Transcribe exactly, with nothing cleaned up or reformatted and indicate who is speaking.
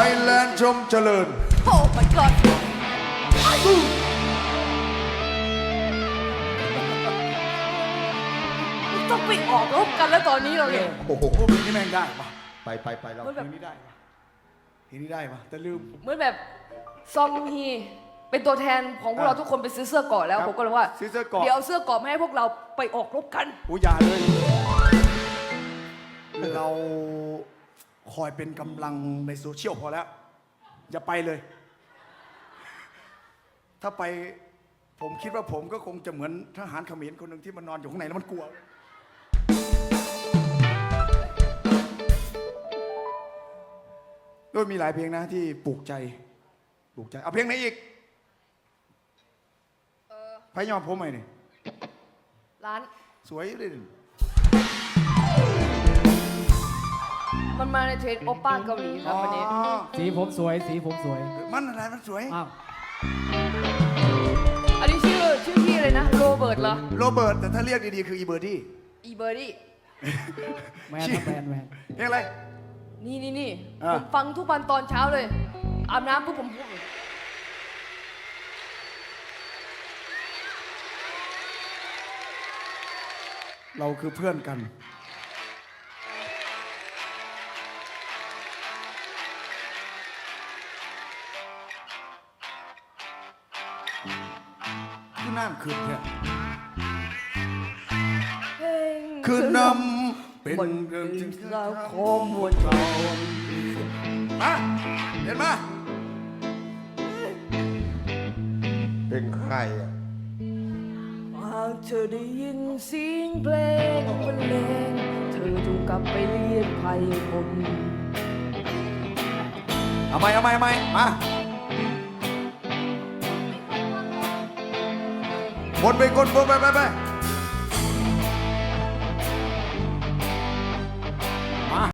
Speaker 1: ยแลนด์ชมเจริญ
Speaker 2: โอ้ my god ต้องไปออกรบกันแล้วตอนนี้เราเนี่ย
Speaker 1: โอ้โหเพลงนี้แม่งได้ปะ
Speaker 3: ไปไปไปเรา
Speaker 2: เหมือน
Speaker 1: เพ
Speaker 2: แบ
Speaker 1: ล
Speaker 2: บ
Speaker 1: งนี้ได้ปะเพลงนี้ได้ปะแต่ลืม
Speaker 2: เหมือนแบบซองฮีเป็นตัวแทนของพวกเราทุกคนไปซื้อเสื้อเกราะแล้ว
Speaker 1: ครับ
Speaker 2: ผมก็เลยว่า
Speaker 1: ซื้อเสื้อเกราะ
Speaker 2: เดี๋ยวเอาเสื้อเกราะมาให้พวกเราไปออกรบกัน
Speaker 1: อุยอย่าเลย เราคอยเป็นกำลังในโซเชียลพอแล้ว อย่าไปเลย ถ้าไปผมคิดว่าผมก็คงจะเหมือนทหารเขมรคนหนึ่งที่มันนอนอยู่ข้างในแล้วมันกลัว โดยมีหลายเพลงนะที่ปลูกใจปลูกใจ เอาเพลงไหนอีกพายอมผมไหมนี่
Speaker 2: ร้าน
Speaker 1: สวยเลยนี่
Speaker 2: มันมาในเทรนด์โอป้าเกาหลีครับวันนี้
Speaker 1: อ๋อ
Speaker 4: สีผมสวยสีผมสวย
Speaker 1: มันอะไรมันสวย
Speaker 4: อ้าว
Speaker 2: อันนี้ชื่อชื่อพี่เลยนะโรเบิร์ตเหรอ
Speaker 1: โรเบิร์ตแต่ถ้าเรียกดีๆคืออีเบอร์ดี้
Speaker 2: อีเบอร์ดี้
Speaker 4: แมนครับแมนแมน
Speaker 1: เพลงอะไร
Speaker 2: นี่นี่นี่
Speaker 1: อ่ะ
Speaker 2: ผมฟังทุกวันตอนเช้าเลย อาบน้ำปุ๊บผมพูด
Speaker 1: เราคือเพื่อนกัน คือน้ำขึ้นแค่
Speaker 2: เพลง
Speaker 1: คือนำเป็น
Speaker 2: บน
Speaker 1: เรื่องจริง
Speaker 2: ราวของมวลชน
Speaker 1: มาเห็นมา
Speaker 3: เป็นใครอ่ะ
Speaker 2: หากเธอได้ยินเสียงเพลงบรรเลงเธอจงกลับไปเรียกภัยคน
Speaker 1: เอาไหมเอาไหมเอาไหมมาวนไปกดวนไปไปไป